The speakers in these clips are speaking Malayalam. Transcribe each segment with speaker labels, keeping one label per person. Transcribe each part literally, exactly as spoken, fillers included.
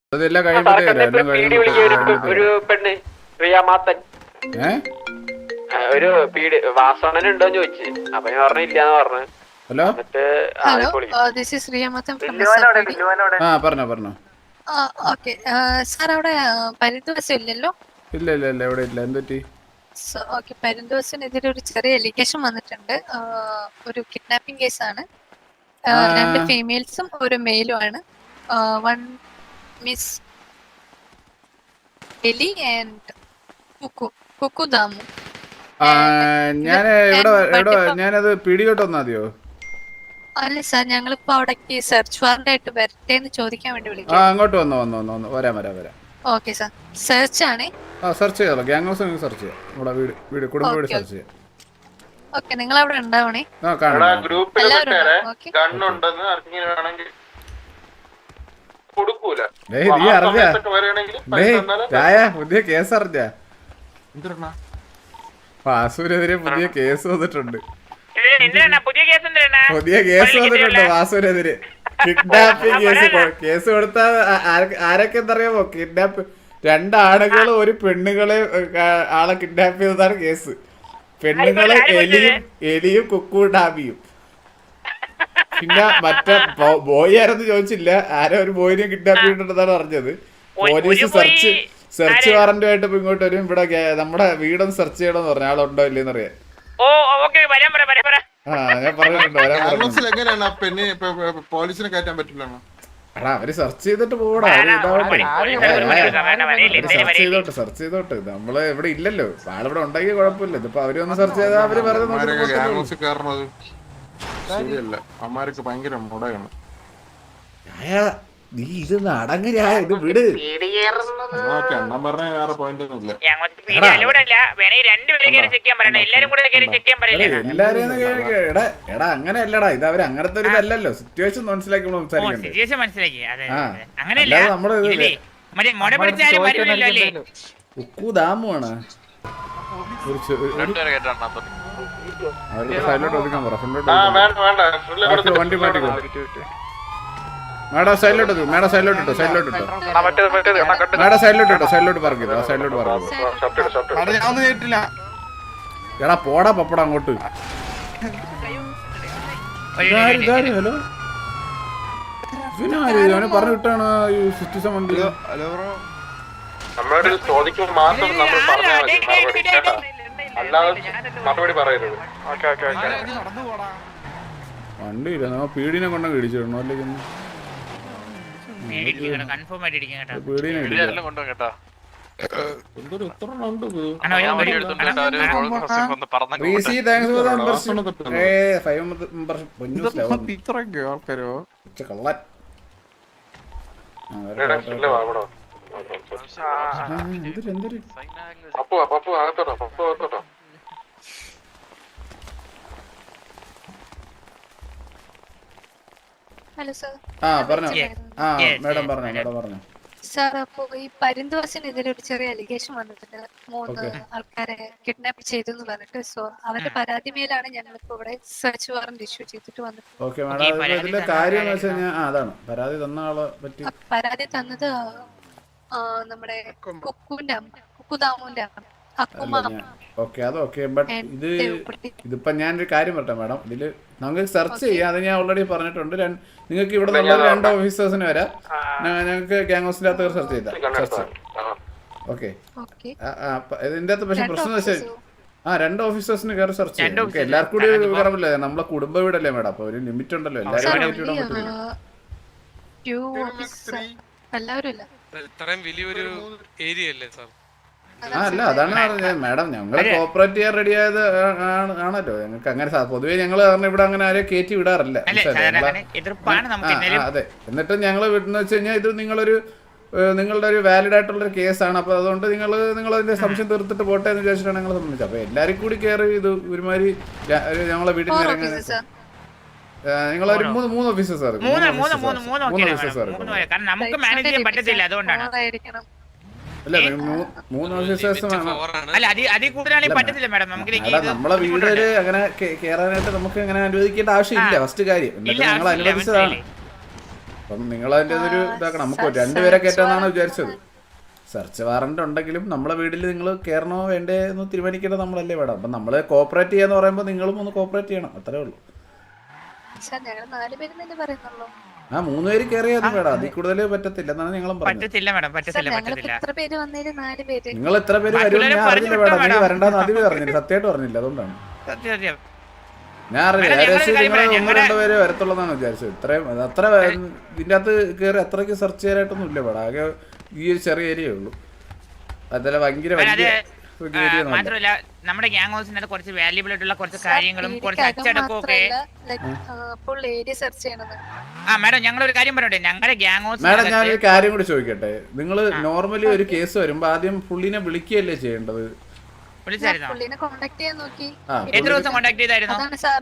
Speaker 1: അതെല്ലാം കഴിയുമ്പോഴേ
Speaker 2: ഒരു പെണ്ണ് റിയാമാത്തൻ ഒരു പീഡ് വാസണൻ ഉണ്ടോന്ന് ചോദിച്ചു. അപ്പൊ ഞാൻ പറഞ്ഞു ഇല്ലാന്ന് പറഞ്ഞു.
Speaker 1: Hello
Speaker 3: hello this is Riyamathan from
Speaker 1: ആ പറഞ്ഞോ പറഞ്ഞോ.
Speaker 3: ഓക്കെ സാർ അവിടെ പരിന്തോഷം ഇല്ലല്ലോ?
Speaker 1: ഇല്ല ഇല്ല ഇല്ല എവിടെ ഇല്ല. എന്തൊറ്റി?
Speaker 3: ഓക്കെ, പരിന്തോഷനെതിരെ ഒരു ചെറിയ എലിഗേഷൻ വന്നിട്ടുണ്ട്. ഒരു കിഡ്നാപ്പിംഗ് കേസാണ്. രണ്ട് ഫീമെയിൽസും ഒരു മെയിലും ആണ്. One Miss Eli and Kukku Kukku Damu.
Speaker 1: ഞാൻ എവിടെ എവിടെ ഞാനത് പിടികോട്ട് വന്നാ മതിയോ?
Speaker 3: അല്ല സാർ, ഞങ്ങളിപ്പോ അവിടേക്ക് സെർച്ച് വാറന്റ് ആയിട്ട് വരട്ടെ എന്ന് ചോദിക്കാൻ വേണ്ടി വിളിക്കാം.
Speaker 1: ആ അങ്ങോട്ട് വന്നോ വന്നോ വന്നോ വരാം വരാം വരാം.
Speaker 3: ഓക്കെ സാർ, സെർച്ച് ആണ്.
Speaker 1: ആ സെർച്ച് ചെയ്യാലോ, ഗ്യാങ് ഹൗസ് സെർച്ച് ചെയ്യാം. നമ്മുടെ വീട് വീട് കുടുംബ വീട് സെർച്ച് ചെയ്യാം.
Speaker 3: ഓക്കെ, നിങ്ങൾ അവിടെ ഉണ്ടാവണേ.
Speaker 1: ആ കാണാം. പുതിയ കേസ് അറിഞ്ഞ വാസുവിനെതിരെ പുതിയ കേസ് വന്നിട്ടുണ്ട്. പുതിയ കേസ് വന്നിട്ടുണ്ട് വാസുവിനെതിരെ. കിഡ്നാപ്പിംഗ് കേസ് കേസ് കൊടുത്ത ആരൊക്കെ എന്തറിയാമോ? കിഡ്നാപ്പ് രണ്ടാണുകളും ഒരു പെണ്ണുങ്ങളെ ആളെ കിഡ്നാപ്പ് ചെയ്തതാണ് കേസ്. പെണ്ണുങ്ങളെ എലിയും എലിയും കുക്കു ഡാബിയും. പിന്നെ മറ്റേ ബോയ് ആരെന്ന് ചോദിച്ചില്ല. ആരോ ഒരു ബോയിനെ കിഡ്നാപ്പ് ചെയ്തിട്ടുണ്ടെന്നാണ് പറഞ്ഞത്. പോലീസ് സെർച്ച് സെർച്ച് വാറന്റുമായിട്ട് ഇപ്പൊ ഇങ്ങോട്ട് വരും. ഇവിടെ നമ്മുടെ വീടൊന്ന് സെർച്ച് ചെയ്യണമെന്ന് പറഞ്ഞു. ആളുണ്ടോ ഇല്ലെന്ന് അറിയാൻ. ആ ഞാൻ പറഞ്ഞിട്ടുണ്ട് വരാൻ എടാ അവര് സെർച്ച് ചെയ്തിട്ട് പോടാ. സെർച്ച് ചെയ്തോട്ടെ സെർച്ച് ചെയ്തോട്ടെ. നമ്മള് ഇവിടെ ഇല്ലല്ലോ, ആളിവിടെ ഉണ്ടെങ്കിൽ കുഴപ്പമില്ല. ഇതിപ്പോ അവര് ഒന്ന് സെർച്ച് ചെയ്താൽ അവര് പറഞ്ഞത്
Speaker 4: അമ്മാർക്ക് ഭയങ്കര മുടയാണ്.
Speaker 1: നീ ഇത് നടങ്ങ ഇത് വിട്.
Speaker 4: എണ്ണം പറഞ്ഞ വേറെ പോയിന്റ് ഒന്നും ഇല്ല.
Speaker 1: എടാ എടാ അങ്ങനെ അല്ലടാ, ഇത് അവര് അങ്ങനത്തെ ഒരു ഇതല്ലല്ലോ. സിറ്റുവേഷൻ മനസ്സിലാക്കി സംസാരിക്കണ്ടേ. നമ്മള് കുക്കു ദാമുവാണ്. സൈഡിലോട്ട് ഒതുക്കാൻ പറ. വണ്ടി മാറ്റിക്കോ. മേഡം സൈഡിലോട്ട് മേഡം സൈഡിലോട്ട് ഇട്ടോ സൈഡിലോട്ട് ഇട്ടോ മേഡം സൈഡിലോട്ട് ഇട്ടോ സൈഡിലോട്ട് പറഞ്ഞോ. ആ സൈഡിലോട്ട് പറഞ്ഞു. എടാ പോടാ പപ്പട അങ്ങോട്ട്. ഹലോ ഇവനെ പറഞ്ഞു വിട്ടാണ് ഈ സിറ്റിസൺ വണ്ടി. വണ്ടിയില്ല, നമ്മ പീടിനെ കൊണ്ടങ്ങ് ഇടിച്ചിടണോ? അല്ലെങ്കിൽ
Speaker 3: ഹലോ സാർ.
Speaker 1: ആ പറഞ്ഞോ. ആ മേഡം പറഞ്ഞോ മേഡം പറഞ്ഞോ.
Speaker 3: സാർ, അപ്പൊ ഈ പരിന്തോഷനെതിരെ ഒരു ചെറിയ അലിഗേഷൻ വന്നിട്ടുണ്ട്. മൂന്ന് ആൾക്കാരെ കിഡ്നാപ്പ് ചെയ്തു എന്ന് പറഞ്ഞിട്ട്. സോ അവരുടെ പരാതി മേലാണ് ഞങ്ങളിപ്പോ ഇവിടെ സെർച്ച് വാറന്റ് ഇഷ്യൂ ചെയ്തിട്ട് വന്നത്.
Speaker 1: ഓക്കെ മേഡം, ഇതിന്റെ കാര്യം എന്ന് വെച്ച് കഴിഞ്ഞാൽ അതാണ് പരാതി തന്ന ആളെ പറ്റി.
Speaker 3: പരാതി തന്നത് നമ്മുടെ കുക്കുവിന്റെ കുക്കുദാമുവിന്റെ
Speaker 1: ഓക്കെ അത് ഓക്കെ. ബട്ട് ഇത് ഇതിപ്പോ ഞാനൊരു കാര്യം പറട്ടെ മേഡം. ഇതില് നമുക്ക് സെർച്ച് ചെയ്യാം. അത് ഞാൻ ഓൾറെഡി പറഞ്ഞിട്ടുണ്ട്. നിങ്ങൾക്ക് ഇവിടെ നിന്നുള്ള രണ്ട് ഓഫീസേഴ്സിന് വരാം. ഞങ്ങൾക്ക് ഗ്യാങ് ഹൗസിന്റെ അകത്ത് സെർച്ച് ചെയ്താൽ സെർച്ച്. ഓക്കെ ഇതിന്റെ അകത്ത് പക്ഷെ പ്രശ്നം വെച്ചാൽ ആ രണ്ട് ഓഫീസേഴ്സിന് കയറി സെർച്ച് ചെയ്യാം. എല്ലാവർക്കും കൂടി കയറില്ല. നമ്മളെ കുടുംബ വീടല്ലേ മേഡം, അപ്പൊ ഒരു ലിമിറ്റ് ഉണ്ടല്ലോ. എല്ലാവരും
Speaker 5: ഇത്രയും വലിയൊരു ഏരിയ അല്ലേ സാർ?
Speaker 1: ആ അല്ല അതാണ് പറഞ്ഞത് മേഡം. ഞങ്ങള് കോപ്പറേറ്റ് ചെയ്യാൻ റെഡി ആയത് ആണല്ലോ. ഞങ്ങൾക്ക് അങ്ങനെ പൊതുവേ ഞങ്ങള് ഇവിടെ അങ്ങനെ ആരെയും കയറ്റി വിടാറില്ല. അതെ. എന്നിട്ട് ഞങ്ങള് വിടുന്ന വെച്ച് കഴിഞ്ഞാൽ ഇത് നിങ്ങളൊരു നിങ്ങളുടെ ഒരു വാലിഡ് ആയിട്ടുള്ള ഒരു കേസാണ്. അപ്പൊ അതുകൊണ്ട് നിങ്ങൾ നിങ്ങൾ അതിന്റെ സംശയം തീർത്തിട്ട് പോട്ടെ എന്ന് വിചാരിച്ചിട്ടാണ് ഞങ്ങൾ സംബന്ധിച്ചത്. അപ്പൊ എല്ലാരും കൂടി കയറി ഇത് ഒരുമാതിരി ഞങ്ങളെ വീട്ടിൽ നിന്ന് നിങ്ങളൊരു മൂന്ന് മൂന്ന് ഓഫീസേഴ്സ് സാർ മൂന്ന് ഓഫീസേഴ്സ് സാർ അല്ല മൂന്ന് ഓഫീസേഴ്സ് നമ്മളെ വീട്ടില് അങ്ങനെ കേറാനായിട്ട് നമുക്ക് അങ്ങനെ അനുവദിക്കേണ്ട ആവശ്യമില്ല. ഫസ്റ്റ് കാര്യം എന്നിട്ട് ഞങ്ങൾ അനുവദിച്ചതാണ്. അപ്പം നിങ്ങൾ അതിൻ്റെ ഒരു ഇതാക്കണം. നമുക്ക് രണ്ടുപേരെ കയറ്റാന്നാണ് വിചാരിച്ചത്. സെർച്ച് വാറണ്ട് ഉണ്ടെങ്കിലും നമ്മളെ വീട്ടിൽ നിങ്ങൾ കയറണോ വേണ്ടേ എന്ന് തീരുമാനിക്കേണ്ടത് നമ്മളല്ലേ വേണം. അപ്പം നമ്മൾ കോപ്പറേറ്റ് ചെയ്യാന്ന് പറയുമ്പോൾ നിങ്ങളും ഒന്ന് കോപ്പറേറ്റ് ചെയ്യണം, അത്രേ ഉള്ളൂ. ആ മൂന്ന് പേര് കയറിയാൽ വേണം, അതിൽ കൂടുതൽ പറ്റത്തില്ല എന്നാണ് ഞങ്ങളും പറഞ്ഞത്. നിങ്ങൾ എത്ര പേര് വരും ഞാൻ അറിഞ്ഞില്ല വേണം, നീ വരണ്ടെന്ന് ആദ്യമേ പറഞ്ഞില്ല, സത്യമായിട്ട് പറഞ്ഞില്ല. അതുകൊണ്ടാണ് ഞാൻ അറിയില്ല. ഏകദേശം നിങ്ങൾ ഒന്ന് രണ്ടു പേര് വരത്തുള്ളതാണ് വിചാരിച്ചത്. ഇത്രയും അത്ര ഇതിൻ്റെ അകത്ത് കയറി അത്രയ്ക്ക് സെർച്ച് ചെയ്യാനായിട്ടൊന്നും ഇല്ല വേണം. ആകെ ഈ ഒരു ചെറിയ ഏരിയ ഉള്ളൂ, അതല്ല ഭയങ്കര
Speaker 6: മാത്രമല്ല നമ്മുടെ ഗ്യാങ് ഹൗസിനകത്ത് കുറച്ച് വാല്യുബിൾ ആയിട്ടുള്ള കുറച്ച് കാര്യങ്ങളും കുറച്ച് അച്ചടക്കവും ഒക്കെ. ആ മാഡം ഞങ്ങൾ ഒരു കാര്യം പറയട്ടെ, ഞങ്ങളുടെ ഗ്യാങ് ഹൗസ്
Speaker 1: മാഡം ഞാൻ ഒരു കാര്യം കൂടി ചോദിക്കട്ടെ. നിങ്ങൾ നോർമലി ഒരു കേസ് വരുമ്പോ ആദ്യം പുള്ളിനെ വിളിക്കുകയല്ലേ ചെയ്യേണ്ടത്?
Speaker 6: എത്ര ദിവസം കോണ്ടാക്ട് ചെയ്തായിരുന്നു?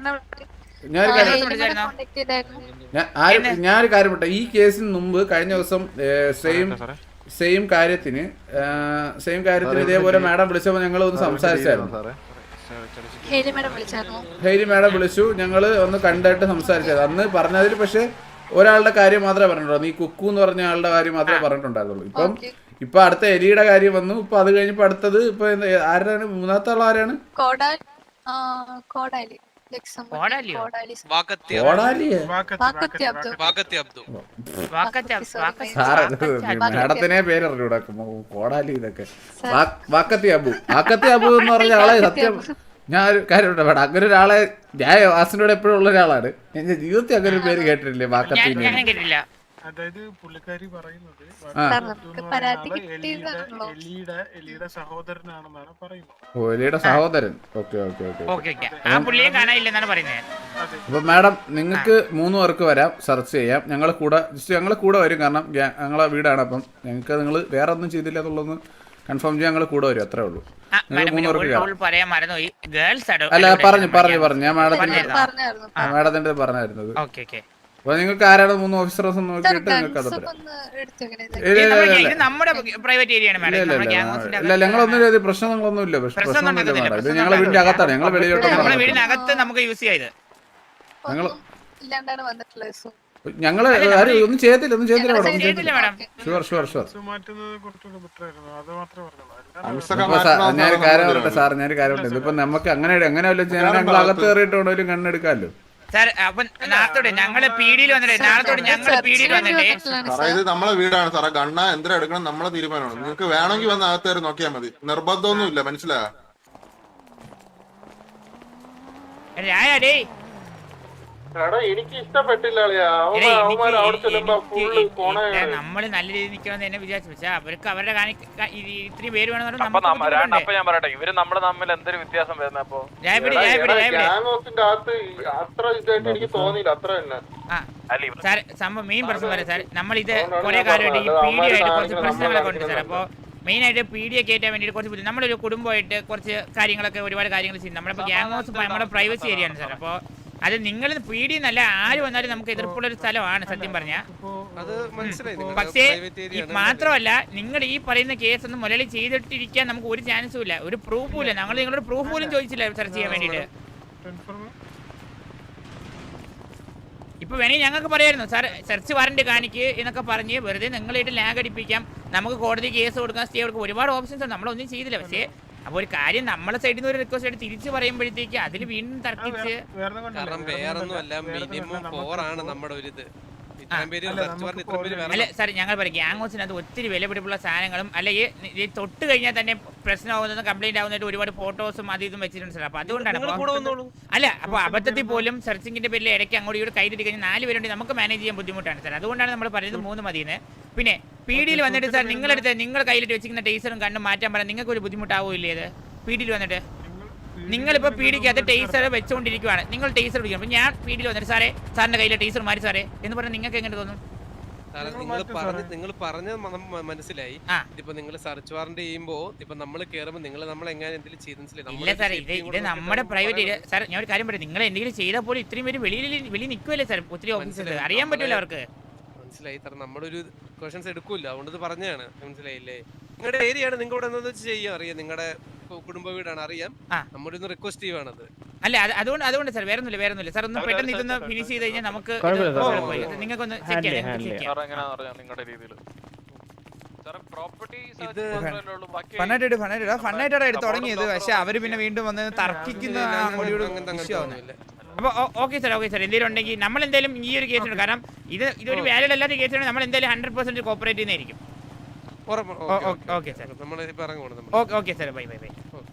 Speaker 1: ഞാനൊരു കാര്യം പറട്ടെ, ഈ കേസിന് മുമ്പ് കഴിഞ്ഞ ദിവസം സെയിം സെയിം കാര്യത്തിന് സെയിം കാര്യത്തിന് ഇതേപോലെ മാഡം വിളിച്ചപ്പോൾ ഞങ്ങൾ ഒന്ന് സംസാരിച്ചായിരുന്നു. ഹെയ്ലി മാഡം വിളിച്ചു, ഞങ്ങൾ ഒന്ന് കണ്ടായിട്ട് സംസാരിച്ചത്. അന്ന് പറഞ്ഞതിൽ പക്ഷെ ഒരാളുടെ കാര്യം മാത്രമേ പറഞ്ഞിട്ടുള്ളൂ, നീ കുക്കു എന്ന് പറഞ്ഞ ആളുടെ കാര്യം മാത്രമേ പറഞ്ഞിട്ടുണ്ടായിരുന്നുള്ളൂ. ഇപ്പം ഇപ്പൊ അടുത്ത എലിയുടെ കാര്യം വന്നു. ഇപ്പൊ അത് കഴിഞ്ഞപ്പോ അടുത്തത് ഇപ്പൊ ആരാണ് മൂന്നാമത്തെ ആൾ? ആരാണ്? മാഡത്തിനെ പേരറിഞ്ഞൂടാ, കോടാലി ഇതൊക്കെ. വാക്കത്തി അബു, വാക്കത്തി അബു എന്ന് പറഞ്ഞ ആളെ സത്യം ഞാൻ ഒരു കാര്യം വേണം, അങ്ങനെ ഒരാളെ ഞാൻ വാസിനോട് എപ്പോഴും ഉള്ള ഒരാളാണ്. എന്റെ ജീവിതത്തിൽ അങ്ങനെ ഒരു പേര് കേട്ടിട്ടില്ലേ വാക്കത്തി?
Speaker 7: അതായത് പുള്ളിക്കാരി പറയുന്നത് എലിയുടെ സഹോദരനാണെന്നാണ് പറയുന്നത്.
Speaker 1: ഓ എലിയുടെ സഹോദരൻ. Okay okay okay. അപ്പൊ മാഡം നിങ്ങൾക്ക് മൂന്ന് പേർക്ക് വരാം, സെർച്ച് ചെയ്യാം. ഞങ്ങൾ കൂടെ ജസ്റ്റ് ഞങ്ങൾ കൂടെ വരും, കാരണം ഞങ്ങളെ വീടാണ്. അപ്പം ഞങ്ങൾക്ക് നിങ്ങൾ വേറെ ഒന്നും ചെയ്തില്ല എന്നുള്ളത് കൺഫേം ചെയ്യാൻ ഞങ്ങൾ കൂടെ വരും, അത്രേ ഉള്ളൂ. നിങ്ങൾ മൂന്ന് പേർക്ക് അല്ല പറഞ്ഞു പറഞ്ഞു പറഞ്ഞു ഞാൻ മാഡത്തിന്റെ മാഡത്തിന്റെ പറഞ്ഞായിരുന്നത്. അപ്പൊ നിങ്ങൾക്ക് ആരാണ് മൂന്ന് ഓഫീസേഴ്സ് നോക്കിയിട്ട് നിങ്ങൾക്ക് അത് ഇല്ല, ഞങ്ങളൊന്നും ഇത് പ്രശ്നങ്ങളൊന്നും ഇല്ല. പ്രശ്നമൊന്നുമില്ല മാഡം, ഇത് ഞങ്ങളെ വീടിന്റെ അകത്താണ്, ഞങ്ങൾ വെളിയിലോട്ട് ഞങ്ങള് ആരും ഒന്നും ചെയ്യത്തില്ല, ഒന്നും ചെയ്യത്തില്ല മാഡം. Sure sure sure. ഞാനൊരു കാര്യം പറയട്ടെ സാർ, ഞാനൊരു കാര്യം പറയട്ടെ, ഇതിപ്പോ നമുക്ക് അങ്ങനെ അങ്ങനെ വല്ല ഞങ്ങൾ അകത്ത് കയറിയിട്ടുണ്ടെങ്കിലും കണ്ണെടുക്കാമല്ലോ.
Speaker 6: ഞങ്ങള് പീഡിയിൽ വന്നിട്ടേ നാളത്തോട് ഞങ്ങള് പീഡിയിൽ വന്നിട്ടേ
Speaker 4: ഇത് നമ്മളെ വീടാണ് സാറേ, ഗണ്ണ എന്തിനാ എടുക്കണം നമ്മളെ തീരുമാനമാണ്. നിങ്ങൾക്ക് വേണമെങ്കിൽ വന്ന് അകത്ത് കയറി നോക്കിയാൽ മതി, നിർബന്ധമൊന്നും ഇല്ല, മനസ്സിലായോ? എനിക്ക് ഇഷ്ടപ്പെട്ടില്ല.
Speaker 6: നമ്മള് നല്ല രീതിയിൽ നിൽക്കണമെന്ന് എന്നെ വിചാരിച്ചു, പക്ഷെ അവർക്ക് അവരുടെ ഇത്രയും പേര് വേണമെന്ന്
Speaker 2: ഞാൻ പറയട്ടെ, ഇവര് നമ്മള് തമ്മിൽ എന്തൊരു വ്യത്യാസം വരുന്ന അപ്പൊ
Speaker 4: എനിക്ക് തോന്നിയില്ല അത്ര തന്നെ.
Speaker 6: സാർ സംഭവം മെയിൻ പ്രശ്നം വരെ സാർ, നമ്മളിത് കുറെ കാലമായിട്ട് ഈ പീഡിയ ആയിട്ട് കുറച്ച് പ്രശ്നങ്ങളൊക്കെ ഉണ്ട് സാർ. അപ്പോൾ മെയിനായിട്ട് പീഡിയ കയറ്റാൻ വേണ്ടിയിട്ട് കുറച്ച് നമ്മളൊരു കുടുംബമായിട്ട് കുറച്ച് കാര്യങ്ങളൊക്കെ ഒരുപാട് കാര്യങ്ങൾ ചെയ്യും. നമ്മളിപ്പോൾ ഗ്യാങ് ഹൗസ് നമ്മുടെ പ്രൈവസി ഏരിയ ആണ് സാർ. അപ്പോൾ അത് നിങ്ങൾ പീഡി എന്നല്ല ആര് വന്നാലും നമുക്ക് എതിർപ്പുള്ള ഒരു സ്ഥലമാണ് സത്യം പറഞ്ഞാൽ. പക്ഷേ മാത്രമല്ല നിങ്ങൾ ഈ പറയുന്ന കേസ് ഒന്നും മുരളി ചെയ്തിട്ടിരിക്കാൻ നമുക്ക് ഒരു ചാൻസും ഇല്ല, ഒരു പ്രൂഫും ഇല്ല. ഞങ്ങൾ നിങ്ങളോട് പ്രൂഫ് പോലും ചോദിച്ചില്ല സെർച്ച് ചെയ്യാൻ വേണ്ടിയിട്ട്. ഇപ്പൊ വേണമെങ്കിൽ ഞങ്ങൾക്ക് പറയായിരുന്നു സാർ സെർച്ച് വാറന്റ് കാണിക്ക് എന്നൊക്കെ പറഞ്ഞ് വെറുതെ നിങ്ങളായിട്ട് ലാഗ് അടിപ്പിക്കാം, നമുക്ക് കോടതി കേസ് കൊടുക്കാം, സ്റ്റേ കൊടുക്കാം, ഒരുപാട് ഓപ്ഷൻസ് ഉണ്ട്. നമ്മളൊന്നും ചെയ്തില്ല. പക്ഷേ അപ്പോൾ ഒരു കാര്യം നമ്മളെ സൈഡിൽ നിന്ന് ഒരു റിക്വസ്റ്റ് ആയിട്ട് തിരിച്ചു പറയുമ്പോഴത്തേക്ക് അതിൽ വീണ്ടും തർക്കിച്ച് അല്ല സാർ ഞങ്ങൾ പറയും ഗ്യാങ് ഹൗസിനകത്ത് ഒത്തിരി വിലപിടിപ്പുള്ള സാധനങ്ങളും അല്ലെങ്കിൽ തൊട്ട് കഴിഞ്ഞാൽ തന്നെ പ്രശ്നമാകുന്നതും കംപ്ലൈന്റ് ആവുന്നതായിട്ട് ഒരുപാട് ഫോട്ടോസും അത് ഇതും വെച്ചിട്ടുണ്ട് സാർ. അപ്പൊ അതുകൊണ്ടാണ് അല്ല അപ്പൊ അബദ്ധത്തിൽ പോലും സെർച്ചിങ്ങിന്റെ പേരിൽ ഇടയ്ക്ക് അങ്ങോട്ട് ഇവിടെ കൈതിട്ട് കഴിഞ്ഞാൽ നാല് പേരുണ്ട്, നമുക്ക് മാനേജ് ചെയ്യാൻ ബുദ്ധിമുട്ടാണ് സാർ. അതുകൊണ്ടാണ് നമ്മൾ പറയുന്നത് മൂന്ന് മതിയെന്ന്. പിന്നെ പീഡിയിൽ വന്നിട്ട് സാർ നിങ്ങളെടുത്ത് നിങ്ങൾ കയ്യിലിട്ട് വെച്ചിരിക്കുന്ന ടേസറും കണ്ടും മാറ്റാൻ പറയാൻ നിങ്ങൾക്ക് ഒരു ബുദ്ധിമുട്ടാവില്ലേ? അത് പീഡിയിൽ വന്നിട്ട് നിങ്ങളിപ്പോൾ പീഡിക്കകത്ത് ടേസർ വെച്ചുകൊണ്ടിരിക്കുകയാണ്, നിങ്ങൾ ടേസർ പിടിക്കണം. അപ്പം ഞാൻ പീഡിയിൽ വന്നിട്ട് സാറേ സാറിന്റെ കയ്യിലെ ടേസർ മാറി സാറേ എന്ന് പറഞ്ഞാൽ നിങ്ങൾക്ക് എങ്ങനെ തോന്നും?
Speaker 5: നിങ്ങൾ പറഞ്ഞ നിങ്ങൾ പറഞ്ഞ മനസ്സിലായി. ഇപ്പൊ നിങ്ങൾ സെർച്ച് വാറന്റ് ചെയ്യുമ്പോ ഇപ്പൊ നമ്മൾ കേറുമ്പോ നിങ്ങൾ നമ്മൾ എങ്ങനെ എന്തെങ്കിലും ചെയ്ത്
Speaker 6: ഇല്ല സാർ, ഇത് ഇത് നമ്മുടെ പ്രൈവറ്റ് സാർ. ഞാൻ ഒരു കാര്യം പറയാം, നിങ്ങൾ എന്തെങ്കിലും ചെയ്താൽ പോലും ഇത്രയും പേര് വെളിയിൽ വെളിയിൽ നിൽക്കുമല്ലേ സാർ? ഒത്തിരി ഓഫീസേഴ്സ് അറിയാൻ പറ്റില്ല അവർക്ക്.
Speaker 5: മനസ്സിലായി സാർ, നമ്മളൊരു ക്വസ്റ്റൻസ് എടുക്കൂല, അതുകൊണ്ട് പറഞ്ഞാണ്. മനസ്സിലായില്ലേ? നിങ്ങളുടെ ഏരിയ ആണ്, നിങ്ങൾ ഇവിടെ എന്താ ചെയ്യാൻ അറിയാം, നിങ്ങളുടെ കുടുംബ വീടാണ് അറിയാം. നമ്മുടെ ഒന്ന് റിക്വസ്റ്റ് ചെയ്യുവാണത്.
Speaker 6: അല്ല അത് അതുകൊണ്ട് അതുകൊണ്ട് സാർ വേറെ ഒന്നുമില്ല വേറെ ഒന്നുമില്ല സാർ ഒന്ന് പെട്ടെന്ന് ഇതൊന്ന് ഫിനിഷ് ചെയ്ത് കഴിഞ്ഞാൽ നമുക്ക് നിങ്ങൾക്കൊന്ന് ചെക്ക് ചെയ്യാം ചെക്ക് ചെയ്യാം
Speaker 8: ഫണ്ണായിട്ട് ഫണ്ണായിട്ട് ഫണ്ണായിട്ടാണ് എടുത്ത് തുടങ്ങിയത്. പക്ഷെ അവര് പിന്നെ വീണ്ടും വന്ന് തർക്കിക്കുന്ന
Speaker 6: അപ്പോൾ ഓക്കെ സാർ ഓക്കെ സാർ എന്തെങ്കിലും ഉണ്ടെങ്കിൽ നമ്മൾ എന്തായാലും ഈ ഒരു കേസുണ്ട് കാരണം ഇത് ഇതൊരു വാലിഡ് അല്ലാത്ത കേസാണ് നമ്മൾ എന്തായാലും ഹൺഡ്രഡ് പെർസെന്റ് കോപ്പറേറ്റ് ചെയ്യുന്നതായിരിക്കും. Okay sir okay sir bye bye by.